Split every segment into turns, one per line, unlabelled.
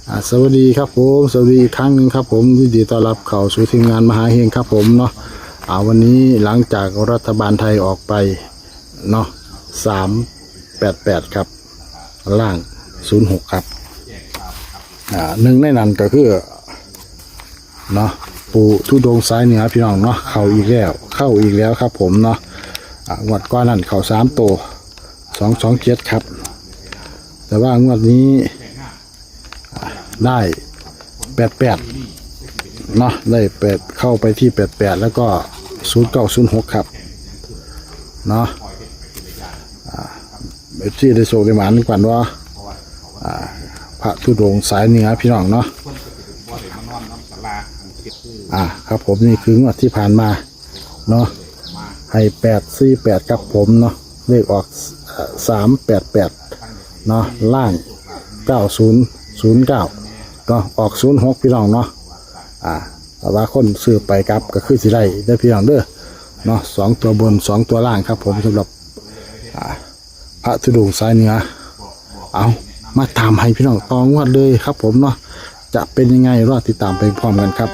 สวัสดีครับผมสวัสดีอีกครั้งหนึ่งครับผมยินดีต้อนรับเข้าสู่ทีมงานมหาเฮงครับผมเนาะวันนี้หลังจากรัฐบาลไทยออกไปเนาะ388ครับล่าง06ครับหนึ่งในนั้นก็คือเนาะปู่ทุดงซ้ายเหนือพี่น้องเนาะเข้าอีกแล้วครับผมเนาะงวดก้อนนั้นเข้า3ตัว227ครับแต่ว่างวดนี้ได้88เนาะได้8เข้าไปที่88แล้วก็0906ครับเนาะที่ได้โชคได้หมานกันว่าพระธุดงค์สายเหนือพี่น้องเนาะครับผมนี่คืองวดที่ผ่านมาเนาะให้848กับผมเนาะเลขออก388เนาะล่าง9009ก็ออก06พี่น้องเนาะแต่ว่าคนซื้อไปกับก็คือสิได้พี่น้องเด้อเนาะ2ตัวบน2ตัวล่างครับผมสำหรับพระธุดงค์สายเหนือเอามาตามให้พี่น้องตองวดเลยครับผมเนาะจะเป็นยังไงรอติดตามไปพร้อมกันครับ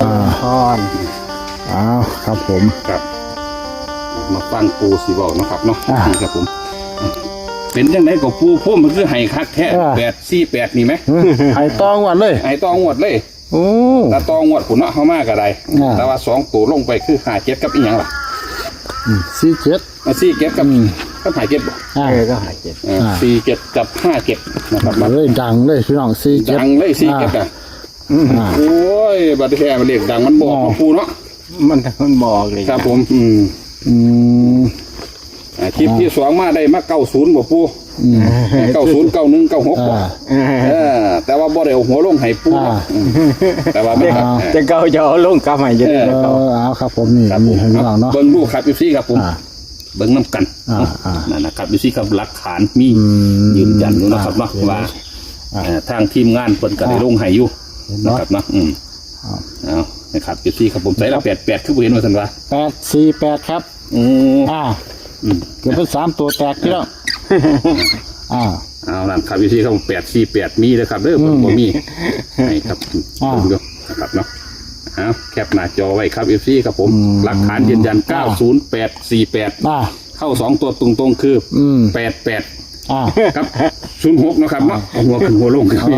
ครับผม
ครับมาฟังปูสีบอกนะครับเนาะครับผมเป็นยังไงกับปูพุ่มมันคือไห้คักแท้848นี่ไหม
ไห้ตองวดเลย
ไห้ตองวดเลยแต่ตองวดผุนเนาะเขามากอะไรแต่ว่า2ตัวลงไปคือ57กับอีกอย่างล่ะ47กับ57
ก็
47กับ57นะครับ
มาเลยดังเลยพี่น้อง47
ดังเลย47โอ้ยบัตรแท้มันเรียกดังมันบอกปูเนาะ
มันบอกเลย
ครับผมคลิปที่2มาได้มา90บ่ปู90 91 96บ่แต่ว่าบ่ได้เอาหัวลงให้ปูแต่ว่าไม่ครับ
จะเก่าจะเอาลงกลับให้เยอะ
ครับผมนี่ให้พี่น้องเนาะ
เบิ่งดูครับพี่ซี่ครับผมเบิ่งน้ำกันนั่นนะครับพี่ซี่กับหลักฐานมียืนยันอยู่นะครับเนาะว่าทางทีมงานเพิ่นก็ได้ลงให้อยู่นะครับเนาะเอานะครับพี่ซี่ครับผมใส่ละ88คือบ่เห็นว่าซั่นว่า
848ครับเกิดเป็น3ตัวแตกพี่น้อง
เอานั่นครับพี่ซี่ครับ848มีนะครับเด้อบ่มีให้ครับดูนะครับเนาะแคปหน้าจอไว้ครับ FC ครับผมหลักฐานยืนยัน90848เข้า2ตัวตรงๆคือ88ครับ06นะครับเนาะหัวขึ้นหัวลงครับ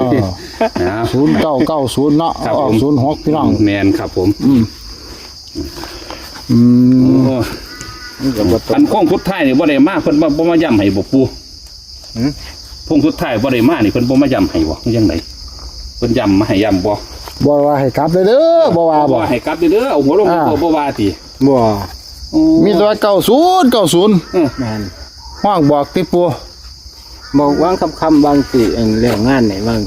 0990เนาะออก06พี่น้อง
แม่นครับผมอันโค้งสุดท้ายนี่บ่ได้มาเพิ่นบ่มาย้ำให้บ่ปูโค้งสุดท้ายบ่ได้มานี่เพิ่นบ่มาย้ำให้บ่จังได๋เพิ่นย้ำมาให้ย้ำบ่
ว่าให้กลับเด้อบ่ว่าบ่
ให้กลับเด้อเอาหัวลงบ่ว่าติ
บ่มีตัว90
แม่น
ห้องบอกติปู
บอกวางคำบางสิเรื่องงานไหนบาง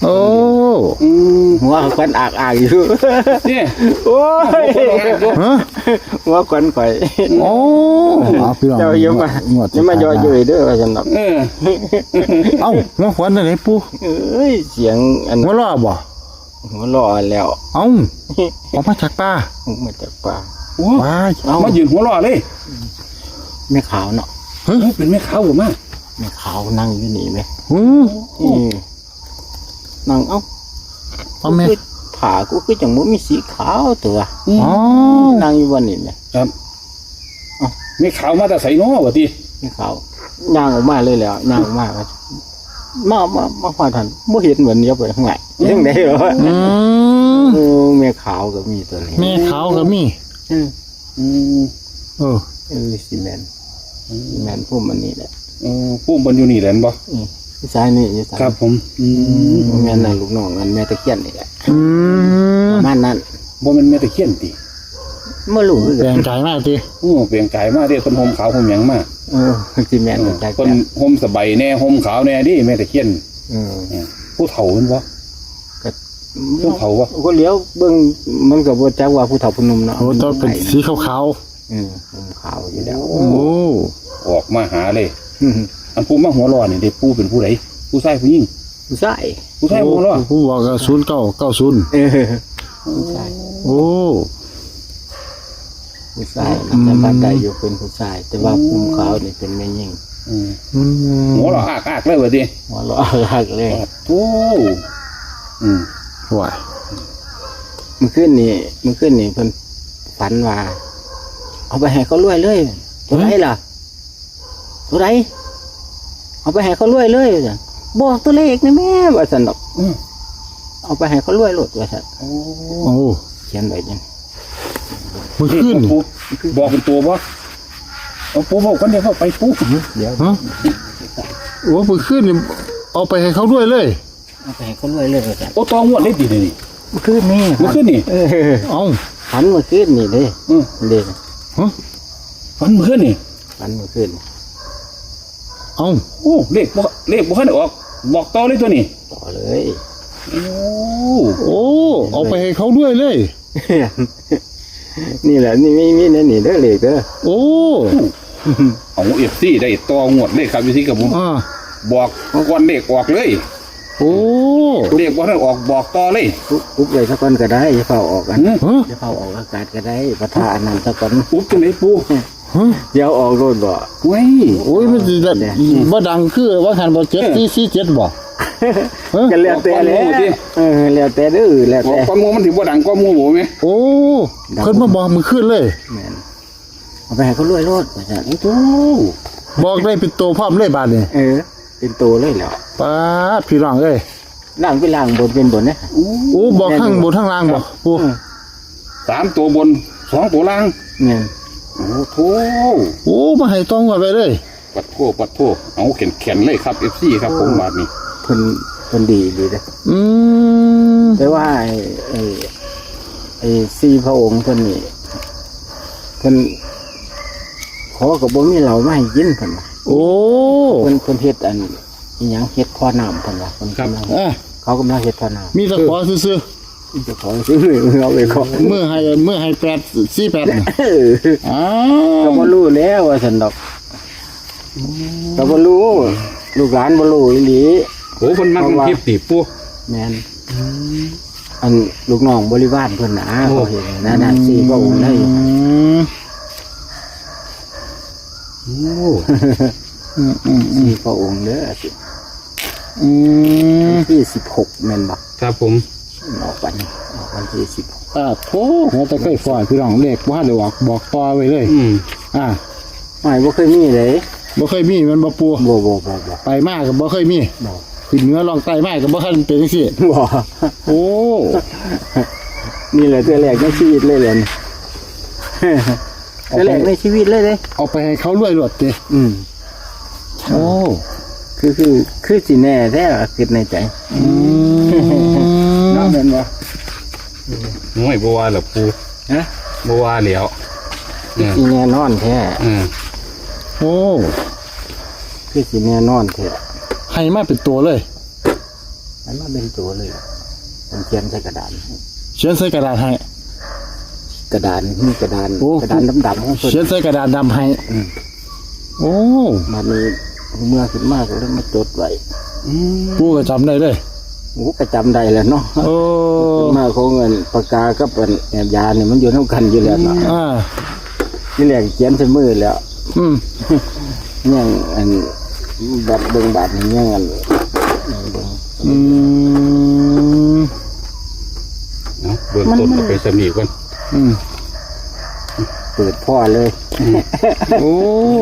หัวควันอากอยู่
นี่
โอ้ยหัวควันไฟ
พี่น้อง
เจ้าอย่ามาย่อเย้ยเด้อว่าซั่นดอก
หัวควันไหนปู
เสียง
หัวล้อบ่
หัวล้อแล้ว
ออกมาจากป่า
มายืนหัวล้อเลย
แม่ขาวเนาะ
เป็นแม่ขาวบ่มา
แม่ขาวนั่งอยู่นี่มั้ยนั่ง
แม่
ผ่ากูคือจังบ่มีสีขาวตัวนั่งอยู่วันนี้แหละ
ครับมีขาวมาแต่ใส่น้อบ่ติ
มีขาวย่างออกมาเลยแล้วย่างออกมามาพอทันบ่เห็นเหมือนเดียวไปข้างไหนจังได๋เหรอแม่ขาวก็มีตัวนี้
แม่ขาวก็มี
ซีเมนพุ่มมันนี่แหละ
พุ่มมันอยู่นี่แหละบ่
ซ้ายนี่
ครับผม
แม่นั่นลูกน้องนั่นแม่ตะเคียนนี่แหละบ้านนั้น
บ่แม่นแม่ตะเคียนติ
บ่รู้
เปลี่ยนใจมากติ
เปลี่ยนใจมากเด้คนห่มขาวห่มหยังมา
ซีเมน
คนห่มสบายแน่ห่มขาวแน่ดิแม่ตะเคียนผู้เฒ่ามันบ่ผู้เฒ่าบ่
ก็เลี้ยวเบิ่งมันก็บ่จักว่าผู้เฒ่าผู้หนุ่มเนาะ
ต้องเป็นสีขาว
ขาวอยู่แล้ว
ออกมาหาเลยอันผู้มาหัวร้อนนี่เด็กผู้เป็นผู้ใดผู้ชายผู้หญิง
ผู้ชาย
หัวร้อน
ผู้บอก0990
ผู้ชายผู้ชายแต่บ้านใดอยู่เป็นผู้ชายแต่ว่าภูมิขาวนี่เป็นแม่หญิง
หัวร้อนอากเลยว่าดิ
หัวร้อนอากเลย
โอ้อืม
ไหว
เมื่อคืนนี่เพิ่นฝันว่า เอาไปให้เขารวยเลยตัวไหนล่ะตัวไหนเอาไปให้เขารวยเลยว่าซั่นบอกตัวเลขนี่แม่ว่าซั่นดอกเอาไปให้เขารวยโลดว่าซั่น
โอ้
โอ้
เขียนไว้จัง
เมื่อคืนนี่
ปูบอกเป็นตัวบ่เอาปูบอกคนเดียวเข้าไปปู
เดี๋ยว
ฮะโอ้เมื่อคืนนี่เอาไปให้เขาด้วยเลย
เอาไปให้เขารวยเลยว่าซั่น
โอ้ตองวดเล็ดดีนี่
เมื่อคืนนี่
เมื่อคืนนี่
เอ้า
ฝันเมื่อคืนนี่เด้
อืม
เด้
ฮะ
ฝันเมื่อคืนนี่
ฝันเมื่อคืน
เอ้า
โอ้เลขบ่ทันได้ออกบอกต่อเลยตัวนี้
ต่อเลย
โอ้
โอ้เอาไปให้เขาด้วยเลย
นี่แหละนี่มีนั่นนี่เด้อเลขเด้อ
โอ้
เอาเอฟซีได้ต่องวดเลยครับพี่ซีกับผม
อ่า
บอกก่อนเลขออกเลย
โอ้
เลขบ่ทันออกบอกต่อเลย
ปุ๊บเลยสักคนก็ได้อย่าเฝ้าออกกัน
หือ
ฮะ
อย่าเฝ้าออกอากาศก็ได้ประทาอันนั้นสักคน
อุ๊บจังได๋ปู
ฮะ
เดี๋ยวออกโลดบ่
เว้ย
โอ้ยมันสิได้บ่ดังคือว่าหันบ่7447บ่ฮะ
ก็แล้วแต่แล้วแล้วแต่เด้อแล้ว
บอก
แต่
ความมูมันสิบ่ดังกว่าหมู่บ่แม่
โอ้เพิ่นมาบอกมื้อคืนเลย
แม่นเอาไปให้เขารวยโลดว่าซั่น
โอ้
บอกได้เป็นตัวพร้อมเลยบาดนี้
เป็นโตเลยแล้ว
ป๊าดพี่น้องเอ้ย
ล่างเป็นล่างบนเป็นบนนะ
โอ้บอกข้างบนข้างล่างบ่ปู
สามตัวบนสองตัวล่าง
แม่น
โอ้โถ
โอ้มาให้ต้องไว้เลย
ปัดโทเอาแข็งเลยครับ FC ครับผมบาดนี้
เพิ่นดีเด้อ
อืม
แต่ว่าไอ้สี่พระองค์เพิ่นนี่เพิ่นขอกับบ่มีเหล้ามาให้กินเพิ่นว่า
โอ้
เพิ่นเฮ็ดอันอีหยังเฮ็ดพ่อน้ำเพิ่นว่าเพิ่นกำลัง
อ่ะ
เขากำลังเฮ็ดพ่อน้ำ
มีแตะขอซื่อ
จะขอซื้อเอาไปขอ
ๆเมื่อให้848น่ะอ้า
ก็
ว
บ่รู้แล้วว่าซั่นดอกก็บ่รู้ลูกหลานบ่รู้อีหลี
โอ้เพิ่นมักมันคลิปติปู
แม่นอันลูกน้องบริวารเพิ่นน่ะ
โอ้
เขาเห็นนั่นน่ะสี่พระองค์ได้
อืม
โอ้
สี่พระองค์เด้อ
อืม
ที่16แม่นบ่
ครับผม
ออกวันที่16
อ่าโธ่หัวตะไคร้ฝอยพี่น้องเลขบ่ทันได้บอกต่อไว้เลย
อืม
อ่า
ไม่บ่เคยมีเลย
บ่เคยมีมันบ่ปู
บ่
ไปมาก็บ่เคยมี
บ่
ขึ้นเหนือลองใต้มาก็บ่ทันเป็นจังซี่
บ่
โอ้
นี่แหละตัวแรกในชีวิตเลยแหละนี่ตัวแรกในชีวิตเลยเด้
เอาไปให้เขารวยรวดเด้
อืม
โอ้
คือสิแน่แท้ล่ะคิดในใจ
อืม
น้องแม่นบ่
โอ้ยบ่ว่าหรอกปู
ฮะ
บ่ว่าแล้วเนี่ย
สิแน่นอนแท้
อืม
โอ้
คือสิแน่นอนแท้
ให้มาเป็นตัวเลย
มันมาเป็นตัวเลยผมเขียนใส่กระดาน
เขียนใส่กระดาษให้
กระดานมีกระดาน
โอ้
กระดานดำๆของเพิ่น
เขียนใส่กระดาษดำให้
อืม
โอ้
มานี้เมื่อขึ้นมาก็เลยมาจดไว้
อืม
ปูก็จำได้เลย
โอ้ก็จำได้แหล้วเนาะ
โอ้
มาของเงินปากกากับอันแอบยาเนี่ยมันอยู่นำกันอยู่แล้วเนาะ
อ่า
นี่แหละเขียนใส่มือแล้ว
อืม
ยังอันบัตรเบิ่งบัตรนี่ยังอันเบิ่ง
อืม
เอาเบื้องต้นเอาไปสำนีก่อน
อืม
เปิดพ่อเลย
โอ้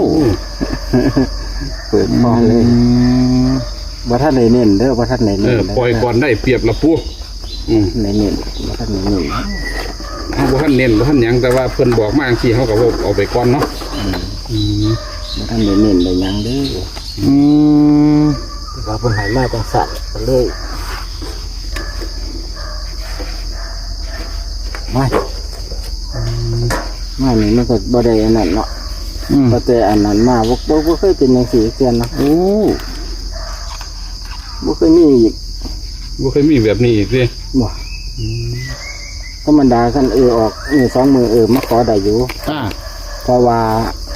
เปิดพ่อเลย
อืม
ว่าท่านไหนเน้นเด้อว่าท่านไหน
เอ
เน้น
อ
เด้
ปล่อยก่อนได้เปรียบละปูอืม
ไหนเน้นว่าท่านไหนเน้น
เฮาบ่ทันเน้นบ่ทันหยังแต่ว่าเพิ่นบอกมาจังซี่เฮาก็บ่เอาไปก่อนเนาะอืม
ว่าท่านไหนเน้นได้หยังเด้อ
อืม
ว่าเพิ่นให้มาจังสั่นก็เลยมานี่มันก็บ่ได้อันนั้นเนาะ
อืม
บ่แต่อันนั้นมาบ่เคยเป็นจังซี่เตือนเนาะ
โอ้
บ่เคยมีอีก
บ่เคยมีแบบนี้อีกเด้
บ่ธรรมดาคันออกสองมือมาขอได้อยู่
อ่า
เพราะว่า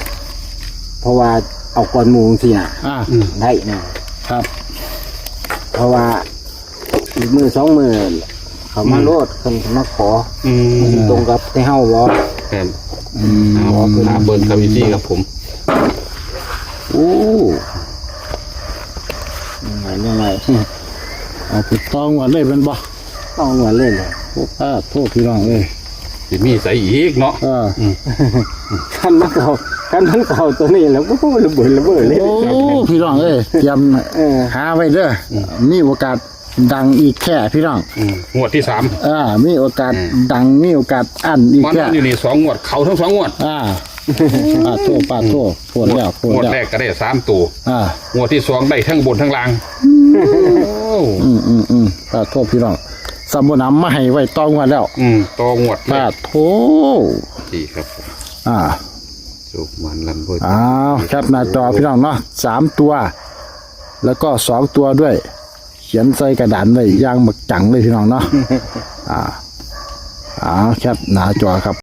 เอาก่อนหมู่จังซี่น่ะ
อ่า
อืม
ได้แน่
ครับ
เพราะว่าอีกมือสองมือเขามาโลดคนมาขอ
อืม
มันสิตรงกับที่เฮาบ่
ครับ
อืม
เอาหาเบิ่งครับพี่ซี่ครับผม
โอ้
ยังไง
เอาผิดต้องวันเลยเป็นบ่
เอาหัวเลยเลย
โอ้ป้าโทษพี่น้องเอ้ย
สิมีใส่อีกเนาะ
คันมันเก่าตัวนี้แล้วก็ระเบิดเลย
โอ้พี่น้องเอ้ยเตรียม หาไว้เด้อมีโอกาสดังอีกแค่พี่น้อง
งวดที่
มีโอกาสดังมีโอกาสอั้นอีก
3มัน
แค่
อยู่นี่2งวดเขาทั้ง2งวด
ป้าโทษโพดแล้ว
งวดแรกก็ได้3ตัว งวดที่2ได้ทั้งบนทั้งล่าง
ป้าโทษพี่น้องสมุนำมาให้ไว้ต้องวันแล้ว
ต่องวด
ป้าโทษ
ดีครับผม สุกมันลำพูด
แคปหน้าจอพี่น้องเนาะ3 ตัว แล้วก็2 ตัวด้วย เขียนใส่กระดานไว้ย่างหมึกจังเลยพี่น้องเนาะแคปหน้าจอครับ